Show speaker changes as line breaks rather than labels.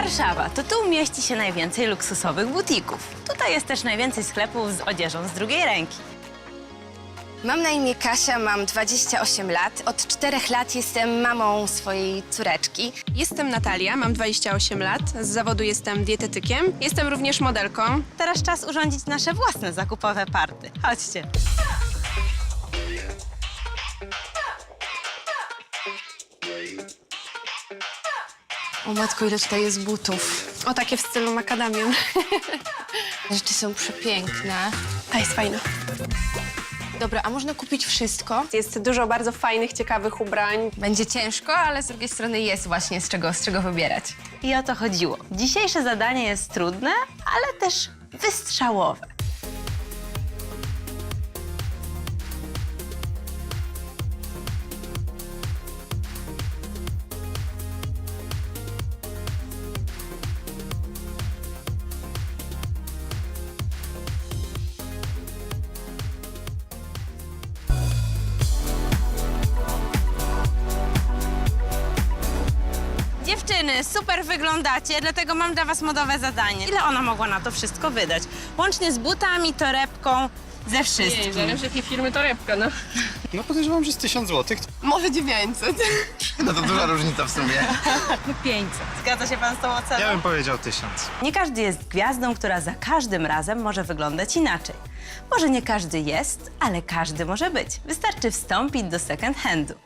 Warszawa, to tu mieści się najwięcej luksusowych butików. Tutaj jest też najwięcej sklepów z odzieżą z drugiej ręki.
Mam na imię Kasia, mam 28 lat. Od 4 lat jestem mamą swojej córeczki.
Jestem Natalia, mam 28 lat. Z zawodu jestem dietetykiem. Jestem również modelką.
Teraz czas urządzić nasze własne zakupowe party. Chodźcie.
O matko, ile tutaj jest butów.
O, takie w stylu makadamian.
Rzeczy są przepiękne.
Ta jest fajna.
Dobra, a można kupić wszystko?
Jest dużo bardzo fajnych, ciekawych ubrań.
Będzie ciężko, ale z drugiej strony jest właśnie z czego wybierać.
I o to chodziło. Dzisiejsze zadanie jest trudne, ale też wystrzałowe. Dziewczyny, super wyglądacie, dlatego mam dla was modowe zadanie. Ile ona mogła na to wszystko wydać? Łącznie z butami, torebką, ze wszystkim.
jakiej firmy torebka, no.
No podejrzewam, że z 1000 zł.
Może 900.
No to duża różnica w sumie.
500. Zgadza się pan z tą oceną?
Ja bym powiedział 1000.
Nie każdy jest gwiazdą, która za każdym razem może wyglądać inaczej. Może nie każdy jest, ale każdy może być. Wystarczy wstąpić do second handu.